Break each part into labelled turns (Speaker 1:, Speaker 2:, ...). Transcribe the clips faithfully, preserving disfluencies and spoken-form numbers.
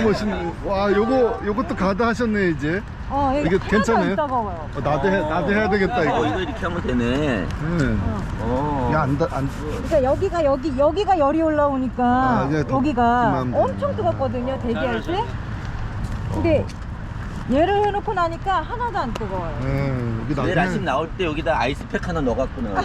Speaker 1: 멋있네. 와, 요거 요것도 가드 하셨네 이제.
Speaker 2: 어,
Speaker 1: 이게 괜찮아요?
Speaker 2: 따가워요.
Speaker 1: 어, 나도 해 나도 해야 되겠다
Speaker 3: 어,
Speaker 1: 이거.
Speaker 3: 이거 이렇게 하면 되네.
Speaker 1: 네.
Speaker 3: 어.
Speaker 1: 야, 안, 다- 안,
Speaker 2: 그러니까 여기가 여기 여기가 열이 올라오니까
Speaker 1: 아, 이제 더
Speaker 2: 여기가
Speaker 1: 그만 돼.
Speaker 2: 엄청 뜨겁거든요. 대기할 때. 근데 얘를 해놓고 나니까 하나도 안 뜨거워요.
Speaker 1: 네, 여기
Speaker 3: 내일 아침
Speaker 1: 나중에
Speaker 3: 나올 때 여기다 아이스팩 하나 넣어갖구나.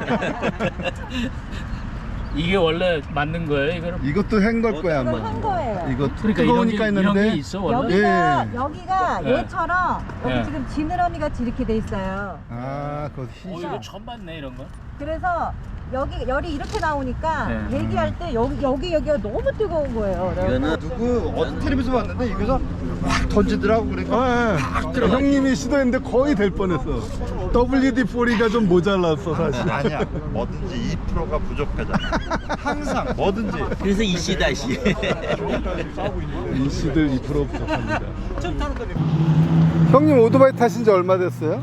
Speaker 4: 이게 원래 맞는 거예요, 이거는?
Speaker 1: 이것도 헹걸 거야
Speaker 2: 이건
Speaker 1: 아마.
Speaker 2: 한 거예요.
Speaker 1: 이거
Speaker 4: 그러니까
Speaker 1: 뜨거우니까
Speaker 4: 이런 게, 이런 게
Speaker 1: 했는데.
Speaker 4: 있어 원래?
Speaker 2: 여기가
Speaker 1: 예.
Speaker 2: 여기가
Speaker 4: 예.
Speaker 2: 얘처럼 여기
Speaker 4: 예.
Speaker 2: 지금 지느러미 같이 이렇게 돼 있어요.
Speaker 1: 아, 그거 희.
Speaker 4: 어, 이거 처음 봤네 이런 거.
Speaker 2: 그래서 여기 열이 이렇게 나오니까
Speaker 4: 예.
Speaker 2: 대기할 때 여기 여기 여기가 너무 뜨거운 거예요.
Speaker 3: 이거는
Speaker 5: 누구 어떤 텔레비전 봤는데 이거서 확 던지더라고. 그러니까
Speaker 1: 아, 예. 형님이 시도했는데 거의 될 뻔했어. 더블유디 사십가 좀 모자랐어 사실.
Speaker 5: 아니야, 뭐든지 이 퍼센트가 부족하잖아. 항상 뭐든지.
Speaker 3: 그래서 이씨다 씨.
Speaker 1: 인씨들 이 퍼센트 부족합니다. 형님 오토바이 타신 지 얼마 됐어요?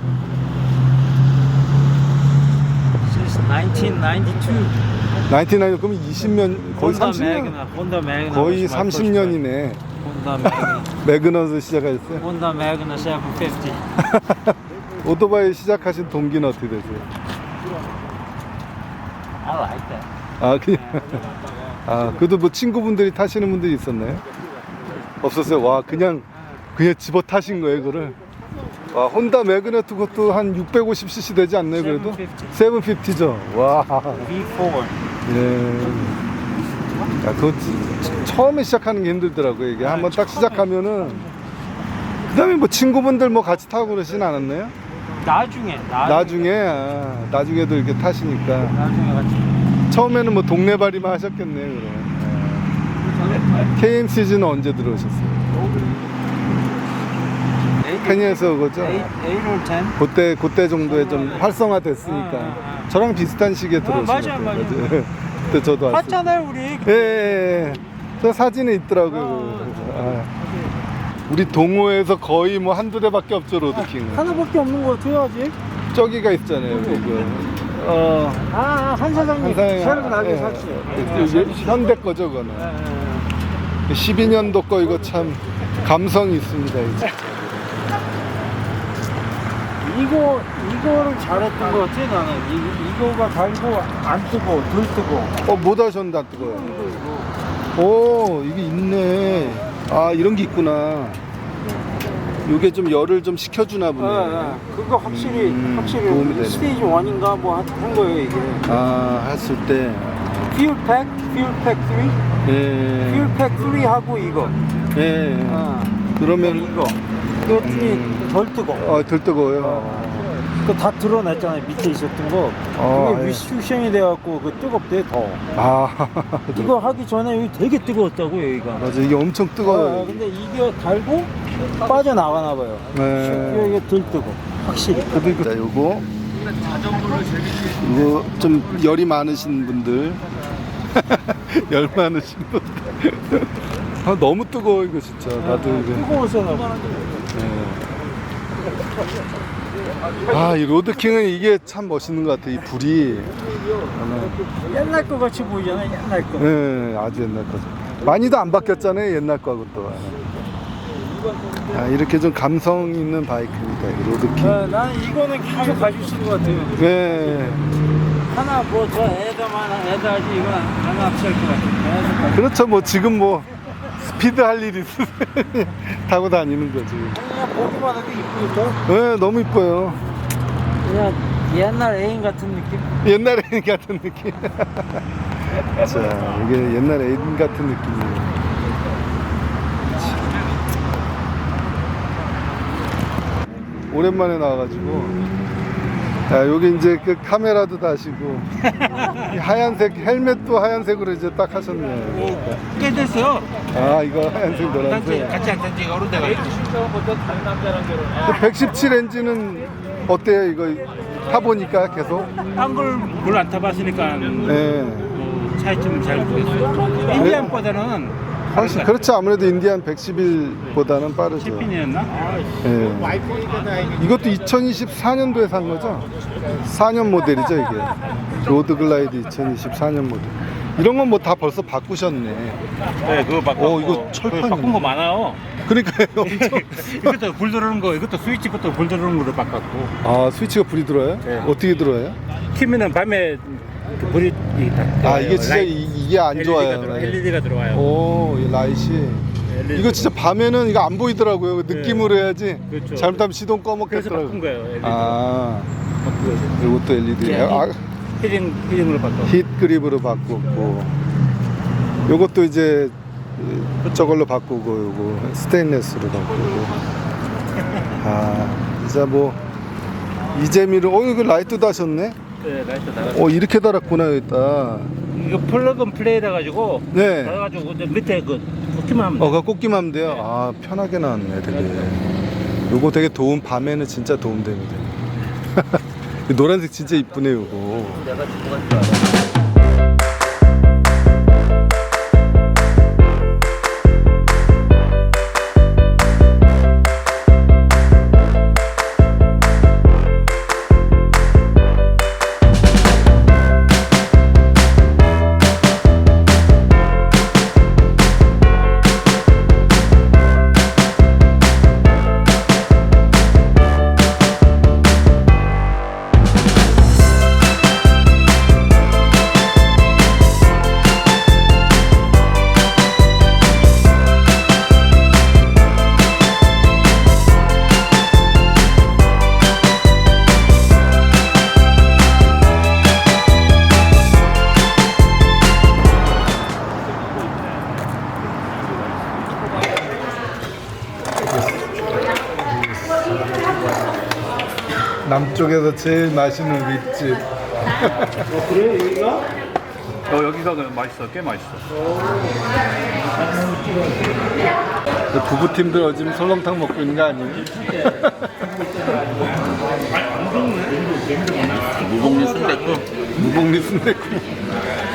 Speaker 6: Since nineteen ninety-two.
Speaker 1: 나인티나인 그러면 이십 년 거의
Speaker 6: Honda
Speaker 1: 삼십 년
Speaker 6: Magna, Honda Magna
Speaker 1: 거의
Speaker 6: was my
Speaker 1: 삼십
Speaker 6: first
Speaker 1: 년이네.
Speaker 6: bike. Honda Magna,
Speaker 1: 매그너스 시작하셨어요?
Speaker 6: Honda Magna seven fifty.
Speaker 1: 오토바이 시작하신 동기는 어떻게 되세요?
Speaker 6: I like that.
Speaker 1: 아 그냥 아 그래도 뭐 친구분들이 타시는 분들이 있었나요? 없었어요. 와 그냥 그냥 집어 타신 거예요 그거를. 와 혼다 매그네트 그것도 한 육백오십 씨씨 되지 않나요 그래도? 칠백오십죠. 와.
Speaker 6: V four.
Speaker 1: 예. 야, 그거 치- 처음에 시작하는 게 힘들더라고요. 이게 한번 딱 시작하면은 그 다음에 뭐 친구분들 뭐 같이 타고 그러진 않았나요?
Speaker 6: 나중에, 나중에,
Speaker 1: 나중에 아, 나중에도 이렇게 타시니까
Speaker 6: 나중에 같이.
Speaker 1: 처음에는 뭐 동네발이만 하셨겠네요 그럼. 예. 케이엠씨지는 언제 들어오셨어요? 케니에서 그거죠?
Speaker 6: eight, eight or ten.
Speaker 1: 그때 그때 정도에 좀 활성화됐으니까
Speaker 6: 아, 아, 아.
Speaker 1: 저랑 비슷한 시기에 들어오신 것
Speaker 6: 맞아요,
Speaker 1: 같아요.
Speaker 6: 맞아요.
Speaker 1: 그때 저도 왔어요.
Speaker 6: 봤잖아요 우리.
Speaker 1: 예, 예, 예. 저 사진에 있더라고요. 아, 우리 동호회에서 거의 뭐 한두 대밖에 없죠, 로드킹은.
Speaker 6: 하나밖에 없는 거 같아요 아직.
Speaker 1: 저기가 있잖아요, 우리 그. 어,
Speaker 6: 아, 아, 한 사장님.
Speaker 1: 한사장.
Speaker 6: 새로 나게
Speaker 1: 예.
Speaker 6: 샀어요.
Speaker 1: 이게 현대 거죠, 그거는.
Speaker 6: 예,
Speaker 1: 십이 년도 거 이거 참 감성이 있습니다, 이제.
Speaker 6: 이거 이거를 잘했던 것 같아 나는. 이, 이거가 달고 안 뜨고 덜 뜨고.
Speaker 1: 어, 못 하셨는데 안 뜨거워요. 오, 이게 있네. 아, 이런 게 있구나. 이게 좀 열을 좀 식혀주나 보네.
Speaker 6: 예, 예. 그거 확실히
Speaker 1: 음, 도움이 되네.
Speaker 6: 확실히 스테이지 일인가 뭐 한 거예요 이게.
Speaker 1: 아, 했을 때.
Speaker 6: 퓨얼팩, 퓨얼팩 삼,
Speaker 1: 예.
Speaker 6: 퓨얼팩 삼 하고 이거.
Speaker 1: 예.
Speaker 6: 아,
Speaker 1: 그러면
Speaker 6: 이거. 그랬더니
Speaker 1: 음.
Speaker 6: 덜 뜨거.
Speaker 1: 어, 덜 뜨거워요.
Speaker 6: 그거 다 드러났잖아요 밑에 있었던 거.
Speaker 1: 어,
Speaker 6: 그게
Speaker 1: 예.
Speaker 6: 위슈션이 돼갖고 그 뜨겁대 더.
Speaker 1: 아,
Speaker 6: 이거 하기 전에 여기 되게 뜨거웠다고 여기가.
Speaker 1: 맞아. 이게 엄청
Speaker 6: 아,
Speaker 1: 뜨거워요.
Speaker 6: 근데 이게 달고 빠져나가나 봐요.
Speaker 1: 네.
Speaker 6: 이게 덜 뜨거. 확실히.
Speaker 1: 그래도 이거, 자, 요거. 이거 좀 열이 많으신 분들. 열 많으신 분들. 아, 너무 뜨거워, 이거 진짜. 나도 이거.
Speaker 6: 뜨거워서 나.
Speaker 1: 아, 이 로드킹은 이게 참 멋있는 것 같아. 이 불이.
Speaker 6: 옛날 거 같이 보이잖아 옛날 거.
Speaker 1: 네, 아주 옛날 거죠. 많이도 안 바뀌었잖아요, 옛날 거하고 또. 아, 이렇게 좀 감성 있는 바이크입니다, 이 로드킹.
Speaker 6: 아, 나는 이거는 계속 가질 수 있을 것 같아요.
Speaker 1: 네.
Speaker 6: 하나 뭐 저 에다만 에다 하지 이건 안 합치할 것 같아요.
Speaker 1: 그렇죠. 뭐 지금 뭐 스피드 할 일 있으면 타고 다니는 거지.
Speaker 6: 그냥 보기만 해도 이쁘죠.
Speaker 1: 네, 너무 이뻐요.
Speaker 6: 그냥 옛날 애인 같은 느낌.
Speaker 1: 옛날 애인 같은 느낌. 자, 이게 옛날 애인 같은 느낌이에요. 오랜만에 나와가지고. 자, 여기 이제 그 카메라도 다시고 이 하얀색 헬멧도 하얀색으로 이제 딱 하셨네요.
Speaker 6: 꽤 됐어요.
Speaker 1: 아, 이거 하얀색 노란색.
Speaker 6: 같이 안 된지 어른 데가.
Speaker 1: 백십칠 엔진은 어때요? 이거 타보니까 계속?
Speaker 6: 딴걸 뭘 안 타봤으니까
Speaker 1: 네.
Speaker 6: 뭐 차이점은 잘 모르겠어요. 인디안보다는
Speaker 1: 훨씬 그렇죠. 아무래도 인디안 백십일보다는 빠르죠.
Speaker 6: 십인이었나?
Speaker 1: 예. 이것도 이천이십사 년도에 산 거죠? 사 년 모델이죠, 이게. 로드 글라이드 이천이십사 년 모델. 이런 건 뭐 다 벌써 바꾸셨네.
Speaker 6: 네, 그거 바꿨고.
Speaker 1: 어, 이거 철판.
Speaker 6: 그거 바꾼 거 많아요.
Speaker 1: 그러니까요. 엄청.
Speaker 6: 이것도 불 들어오는 거, 이것도 스위치 것도 불 들어오는 거로 바꿨고.
Speaker 1: 아, 스위치가 불이 들어와요?
Speaker 6: 네.
Speaker 1: 어떻게 들어와요?
Speaker 6: 키면은 밤에 그 불이 이- 다
Speaker 1: 아,
Speaker 6: 들어와요.
Speaker 1: 이게 진짜
Speaker 6: 라이-
Speaker 1: 이, 이게 안
Speaker 6: 엘이디가
Speaker 1: 좋아요.
Speaker 6: 들어, 엘이디가 들어와요.
Speaker 1: 오, 이 라이시.
Speaker 6: 엘이디
Speaker 1: 이거 진짜 밤에는 이거 안 보이더라고요. 느낌으로 해야지.
Speaker 6: 그렇죠.
Speaker 1: 잘못하면 시동
Speaker 6: 그래서
Speaker 1: 꺼먹겠더라고요.
Speaker 6: 바꾼 거예요. 엘이디.
Speaker 1: 아,
Speaker 6: 바꾸고
Speaker 1: 이것도 엘이디예요. 아,
Speaker 6: 히딩 히딩으로 바꿨고.
Speaker 1: 힛 그립으로 바꾸고. 요것도 이제 저걸로 바꾸고, 요거 스테인레스로 바꾸고. 아, 진짜 뭐 이재미로. 어, 이거 라이트도 하셨네.
Speaker 6: 네, 라이트 달았어.
Speaker 1: 어, 이렇게 달았구나 여기다.
Speaker 6: 이거 플러그인 플레이라 가지고
Speaker 1: 네.
Speaker 6: 달아가지고 이제 밑에 그 꽂기만 하면 돼.
Speaker 1: 어, 그 꽂기만 하면 돼요. 아, 편하게 나왔네, 되게. 요거 되게 도움, 밤에는 진짜 도움 됩니다. 이 노란색 진짜 이쁘네, 요거.
Speaker 3: 내가 듣고 갈 줄 알아.
Speaker 1: 남쪽에서 제일 맛있는 윗집.
Speaker 6: 그래 여기가? 어 여기가 맛있어, 꽤 맛있어.
Speaker 1: 부부팀들 지금 설렁탕 먹고 있는 거 아니에요?
Speaker 3: 무복리 순댓국.
Speaker 1: 무복리 순댓국.